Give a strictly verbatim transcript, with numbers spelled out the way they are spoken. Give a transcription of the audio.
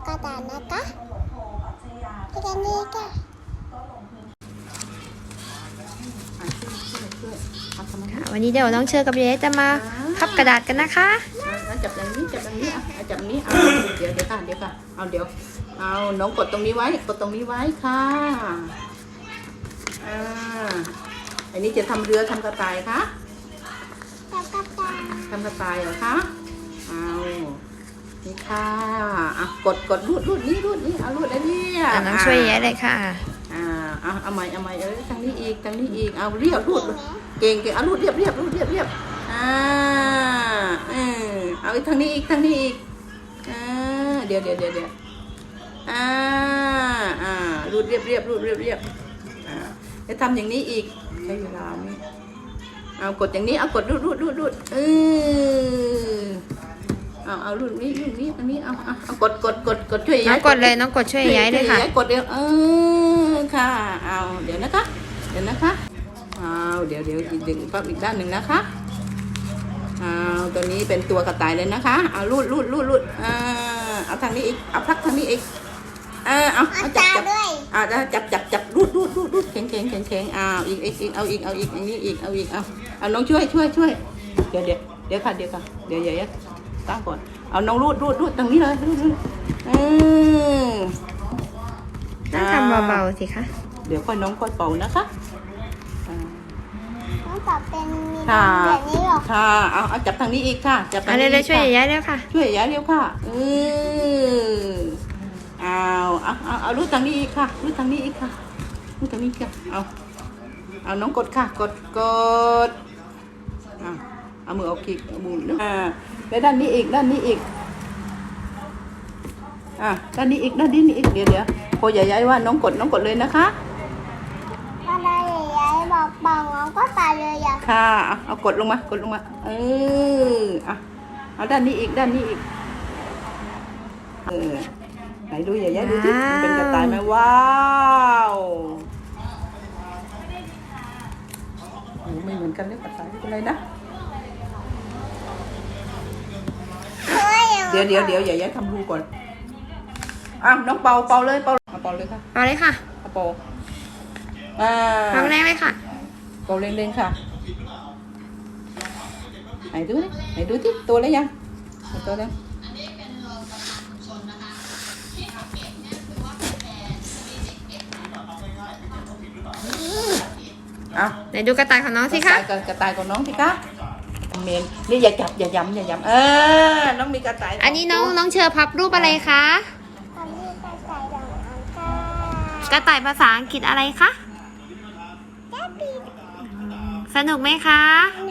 กระดาษนะคะที่กันนี้ค่ะวันนี้เดี๋ยวน้องเชอร์กับเยจะมาพับกระดาษกันนะคะจับอย่างนี้จับอย่างนี้อ่ะจับอย่างนี้เอาเดี๋ยวเดี๋ยวค่ะเดี๋ยวค่ะเอาเดี๋ยวเอาน้องกดตรงนี้ไว้กดตรงนี้ไว้ค่ะอ่าอันนี้จะทำเรือทำกระต่ายคะแล้วกระดาษทำกระต่ายเหรอคะเอานี่ค่ะอ่ะกดกดรูดรูดนี้รูดนี้เอารูดอันนี้อ่ะน้องช่วยเยเลยค่ะอ่าเอาเอาใหม่เอาใหม่เออทางนี้อีกทางนี้อีกเอาเรียบรูดเก่งเก่งเอารูดเรียบเรียบรูดเรียบเรียบอ่าเออเอาอีกทางนี้อีกทางนี้อีกอ่าเดี๋ยวเดี๋ยวเดี๋ยวเดี๋ยวอ่าอ่ารูดเรียบเรียบรูดเรียบเรียบอ่าจะทำอย่างนี้อีกใช้เวลาไหมเอากดอย่างนี้เอากดรูดรูดรูดรูดเออเอาเอารูดนี้รูดนี้อันนี้เอาเอาเอากดกดกดกดช่วยน้องกดเลยน้องกดช่วยย้ายเลยค่ะช่กดเดี๋ยวเออค่ะเอาเดี๋ยวนะคะเดี๋ยวนะคะเอาเดี๋ยวเดี๋ยวอีกดึงปั๊บอีกด้านหนึ่งนะคะเอาตัวนี้เป็นตัวกระต่ายเลยนะคะเอารูดรูดรูดรูดอ่าเอาทางนี้อีกเอาพักทางนี้อีกอ่าเอาเอาจับจับอ่าจับจับจับรูดรูดรูดรูดแข็งแข็งแข็งแข็งอ่าอีกอีกอีกเอาอีกเอาอีกอย่างนี้อีกเอาอีกเอาเอาน้องช่วยช่วยช่วยเดี๋ยวเดี๋ยวเดี๋ยวค่ะเดี๋ยวค่ะเดี๋ยวเดี๋ยวตั้งก่อนเอาน้องรูดรูดรูดตรงนี้เลยรูดรูดอืมต้องทำเบาๆสิคะเดี๋ยวค่อยน้องค่อยเป่านะคะอ่าน้องตอบเป็นมีค่ะแบบนี้หรอค่ะเอาเอาจับทางนี้อีกค่ะจับทาอังนนี้นี้อีกช่วยค่ะย้ายเร็วค่ะช่วยย้ายเร็วค่ะอือเอาเอาเอาเอารูดทางนี้อีกค่ะรูดทางนี้อีกค่ะรูดทางนี้ค่ะเอาเอาน้องกดค่ะกดกดเอาเอามือเอาคลิกเอาบุญอ่าไปด้านนี้อีกด้านนี้อีกอ่ะด้านนี้อีกด้านนี้อีกเดี๋ยวเดี๋ยวพอใหญ่ย้ายว่าน้องกดน้องกดเลยนะคะอะไรใหญ่ๆบอกบอกน้องก็ตายเลยอ่ะค่ะเอาเอากดลงมากดลงมาเอออ่ะเอาด้านนี้อีกด้านนี้อีกเออไหนดูใหญ่ๆดูสิมันเป็นกระต่ายไหมว้าวโอ้ไม่เหมือนกันเลยกระต่ายเป็นอะไรนะเฮ้ยเดี๋ยวเดี๋ยวเดี๋ยวใหญ่ๆทำรูก่อนอ่ะน้องเป่าเป่าเลยเป่าเอาเป่าเลยค่ะเอาเลยค่ะเอาเป่าอ่าทำแรงเลยค่ะเป่าเร่งๆค่ะไหนดูดิไหนดูที่ตัวแล้วยังไหนตัวแล้วอ่ะไหนดูกระต่ายของน้องสิคะกระต่ายกระต่ายของน้องสิคะเมนนี่อย่าจับอย่าย้ำอย่าย้ำเออน้องมีกระต่ายอันนี้น้องน้องเชอร์พับรูปอะไรคะตอนนี้กระต่ายดองอังกากระต่ายภาษาอังกฤษอะไรคะแกปีสนุกไหมคะน